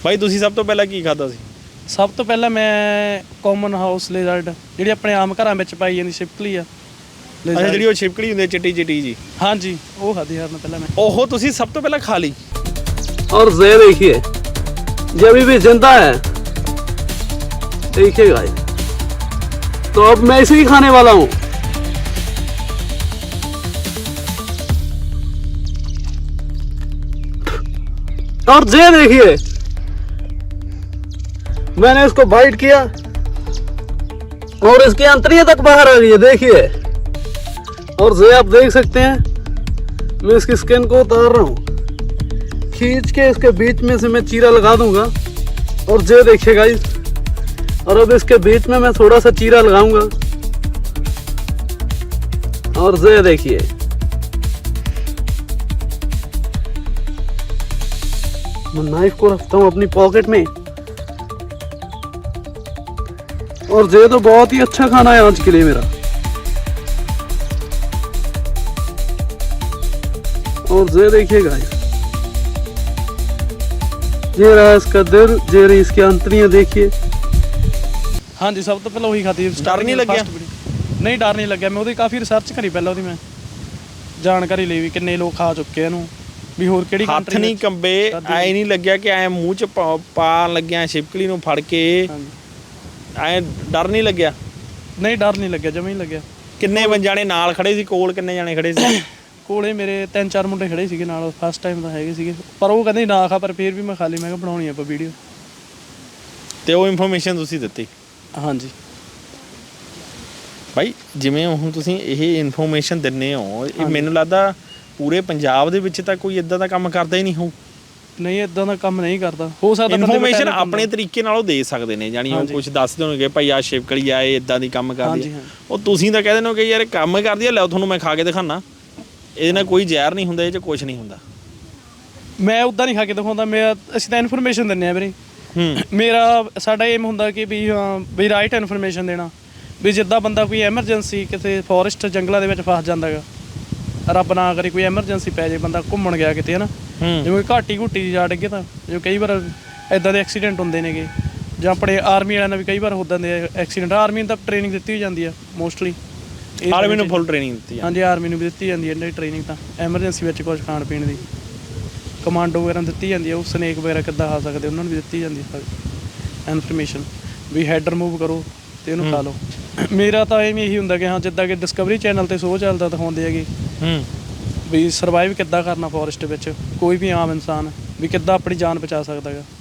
ਬਾਈ ਤੁਸੀਂ ਸਭ ਤੋਂ ਪਹਿਲਾਂ ਕੀ ਖਾਧਾ ਸੀ? ਸਭ ਤੋਂ ਪਹਿਲਾਂ ਮੈਂ ਕਾਮਨ ਹਾਊਸ ਲਿਜ਼ਰਡ ਜਿਹੜੀ ਆਪਣੇ ਆਮ ਘਰਾਂ ਵਿੱਚ ਪਾਈ ਜਾਂਦੀ ਛਿਪਕਲੀ ਆ। ਅੱਛਾ, ਜਿਹੜੀ ਉਹ ਛਿਪਕਲੀ ਹੁੰਦੀ ਚਿੱਟੀ ਚਿੱਟੀ ਜੀ। ਹਾਂਜੀ, ਉਹ ਖਾਧੀ ਯਾਰ ਮੈਂ ਪਹਿਲਾਂ। मैं ਉਹ ਤੁਸੀਂ ਸਭ ਤੋਂ ਪਹਿਲਾਂ ਖਾ ਲਈ। और ये देखिए ये अभी भी जिंदा है, देखिएगा। तो अब मैं इसे ही खाने वाला हूँ। और ये देखिए मैंने इसको बाइट किया और इसकी अंतड़ियां तक बाहर आ गई है, देखिए। और ये आप देख सकते हैं, मैं इसकी स्किन को उतार रहा हूँ, खींच के इसके बीच में से मैं चीरा लगा दूंगा। और ये देखिए गाइस, और अब इसके बीच में मैं थोड़ा सा चीरा लगाऊंगा। और ये देखिए, मैं नाइफ को रखता हूँ अपनी पॉकेट में। और ये तो बहुत ही अच्छा खाना है आज के लिए मेरा। और ये देखिए गाइस, ये रहा इसका दिल, ये रही इसकी अंतड़ियां, देखिए। ਹਾਂਜੀ, ਸਭ ਤੋਂ ਪਹਿਲਾਂ ਉਹੀ ਖਾਧੀ। ਡਰ ਨਹੀਂ ਲੱਗਿਆ? ਨਹੀਂ, ਡਰ ਨਹੀਂ ਲੱਗਿਆ। ਮੈਂ ਉਹਦੀ ਕਾਫੀ ਰਿਸਰਚ ਕਰੀ ਪਹਿਲਾਂ, ਉਹਦੀ ਮੈਂ ਜਾਣਕਾਰੀ ਲਈ ਵੀ ਕਿੰਨੇ ਲੋਕ ਖਾ ਚੁੱਕੇ ਇਹਨੂੰ, ਵੀ ਹੋਰ ਕਿਹੜੀ ਹੱਥ ਨਹੀਂ ਕੰਬੇ? ਐ ਨਹੀਂ ਲੱਗਿਆ ਕਿ ਐ ਮੂੰਹ ਚ ਪਾਣ ਲੱਗਿਆ ਛਿਪਕਲੀ ਨੂੰ ਫੜ ਕੇ? ਐ ਡਰ ਨਹੀਂ ਲੱਗਿਆ? ਨਹੀਂ, ਡਰ ਨਹੀਂ ਲੱਗਿਆ, ਜਮਾਂ ਹੀ ਲੱਗਿਆ। ਕਿੰਨੇ ਜਾਣੇ ਨਾਲ ਖੜੇ ਸੀ? ਕੋਲ ਕਿੰਨੇ ਜਾਣੇ ਖੜੇ ਸੀ? ਕੋਲੇ ਮੇਰੇ 3-4 ਮੁੰਡੇ ਖੜੇ ਸੀਗੇ ਨਾਲ, ਫਸਟ ਟਾਈਮ ਤਾਂ ਹੈਗੇ ਸੀਗੇ, ਪਰ ਉਹ ਕਹਿੰਦੇ ਨਾ ਖਾ, ਪਰ ਫਿਰ ਵੀ ਮੈਂ ਖਾ ਲਈ। ਮੈਂ ਕਿਹਾ ਬਣਾਉਣੀ ਆਪਾਂ ਵੀਡੀਓ, ਤੇ ਉਹ ਇਨਫੋਰਮੇਸ਼ਨ ਤੁਸੀਂ ਦਿੱਤੀ? ਹਾਂਜੀ ਬਾਈ, ਜਿਵੇਂ ਹੁਣ ਤੁਸੀਂ ਇਹ ਇਨਫੋਰਮੇਸ਼ਨ ਦਿੰਦੇ ਹੋ, ਇਹ ਮੈਨੂੰ ਲੱਗਦਾ ਪੂਰੇ ਪੰਜਾਬ ਦੇ ਵਿੱਚ ਤਾਂ ਕੋਈ ਇਦਾਂ ਦਾ ਕੰਮ ਕਰਦਾ ਹੀ ਨਹੀਂ ਹੋਊ। ਨਹੀਂ, ਇਦਾਂ ਦਾ ਕੰਮ ਨਹੀਂ ਕਰਦਾ। ਹੋ ਸਕਦਾ ਇਨਫੋਰਮੇਸ਼ਨ ਆਪਣੇ ਤਰੀਕੇ ਨਾਲ ਉਹ ਦੇ ਸਕਦੇ ਨੇ, ਜਾਨੀ ਉਹ ਕੁਝ ਦੱਸ ਦੇਣਗੇ ਭਾਈ ਆ ਛਿਪਕਲੀ ਆ, ਇਹ ਇਦਾਂ ਦੀ ਕੰਮ ਕਰਦੀ ਹੈ। ਉਹ ਤੁਸੀਂ ਤਾਂ ਕਹਿ ਦਿੰਦੇ ਹੋ ਕਿ ਯਾਰ ਕੰਮ ਕਰਦੀ ਆ, ਲਿਆਓ ਤੁਹਾਨੂੰ ਮੈਂ ਖਾ ਕੇ ਦਿਖਾਣਾ, ਇਹਦੇ ਨਾਲ ਕੋਈ ਜ਼ਹਿਰ ਨਹੀਂ ਹੁੰਦਾ, ਇਹ 'ਚ ਕੁਝ ਨਹੀਂ ਹੁੰਦਾ। ਮੈਂ ਉੱਦਾਂ ਨਹੀਂ ਖਾ ਕੇ ਦਿਖਾਉਂਦਾ, ਅਸੀਂ ਤਾਂ ਇਨਫੋਰਮੇਸ਼ਨ ਦਿੰਦੇ ਹਾਂ ਵੀਰੇ। ਮੇਰਾ ਸਾਡਾ ਏਮ ਹੁੰਦਾ ਕਿ ਵੀ ਰਾਈਟ ਇਨਫੋਰਮੇਸ਼ਨ ਦੇਣਾ, ਵੀ ਜਿੱਦਾਂ ਬੰਦਾ ਕੋਈ ਐਮਰਜੈਂਸੀ ਕਿਸੇ ਫੋਰੈਸਟ ਜੰਗਲਾਂ ਦੇ ਵਿੱਚ ਫਸ ਜਾਂਦਾ ਗਾ, ਰੱਬ ਨਾ ਕਰੇ ਕੋਈ ਐਮਰਜੈਂਸੀ ਪੈ ਜਾਏ, ਬੰਦਾ ਘੁੰਮਣ ਗਿਆ ਕਿਤੇ ਹੈ ਨਾ, ਜਿਵੇਂ ਘਾਟੀ ਜਾ ਡਿੱਗੇ, ਤਾਂ ਜਿਵੇਂ ਕਈ ਵਾਰ ਇੱਦਾਂ ਦੇ ਐਕਸੀਡੈਂਟ ਹੁੰਦੇ ਨੇਗੇ, ਜਾਂ ਆਪਣੇ ਆਰਮੀ ਵਾਲਿਆਂ ਨਾਲ ਵੀ ਕਈ ਵਾਰ ਉੱਦਾਂ ਦੇ ਐਕਸੀਡੈਂਟ। ਆਰਮੀ ਨੂੰ ਤਾਂ ਟ੍ਰੇਨਿੰਗ ਦਿੱਤੀ ਜਾਂਦੀ ਆ ਮੋਸਟਲੀ। ਆਰਮੀ ਨੂੰ ਫੁੱਲ ਟ੍ਰੇਨਿੰਗ ਦਿੱਤੀ ਹਾਂਜੀ, ਆਰਮੀ ਨੂੰ ਵੀ ਦਿੱਤੀ ਜਾਂਦੀ ਹੈ ਇਹਨਾਂ ਦੀ ਟ੍ਰੇਨਿੰਗ, ਤਾਂ ਐਮਰਜੈਂਸੀ ਵਿੱਚ ਕੁਝ ਖਾਣ ਪੀਣ ਦੀ, ਕਮਾਂਡੋ ਵਗੈਰਾ ਦਿੱਤੀ ਜਾਂਦੀ ਹੈ। ਉਹ ਸਨੇਕ ਵਗੈਰਾ ਕਿੱਦਾਂ ਖਾ ਸਕਦੇ, ਉਹਨਾਂ ਨੂੰ ਵੀ ਦਿੱਤੀ ਜਾਂਦੀ ਹੈ ਇਨਫੋਰਮੇਸ਼ਨ, ਵੀ ਹੈਡ ਰਿਮੂਵ ਕਰੋ ਅਤੇ ਇਹਨੂੰ ਖਾ ਲਓ। ਮੇਰਾ ਤਾਂ ਐਵੇਂ ਇਹੀ ਹੁੰਦਾ ਕਿ ਹਾਂ, ਜਿੱਦਾਂ ਕਿ ਡਿਸਕਵਰੀ ਚੈਨਲ 'ਤੇ ਸ਼ੋਅ ਚੱਲਦਾ ਦਿਖਾਉਂਦੇ ਹੈਗੇ, ਵੀ ਸਰਵਾਈਵ ਕਿੱਦਾਂ ਕਰਨਾ ਫੋਰੈਸਟ ਵਿੱਚ, ਕੋਈ ਵੀ ਆਮ ਇਨਸਾਨ ਵੀ ਕਿੱਦਾਂ ਆਪਣੀ ਜਾਨ ਬਚਾ ਸਕਦਾ ਗਾ।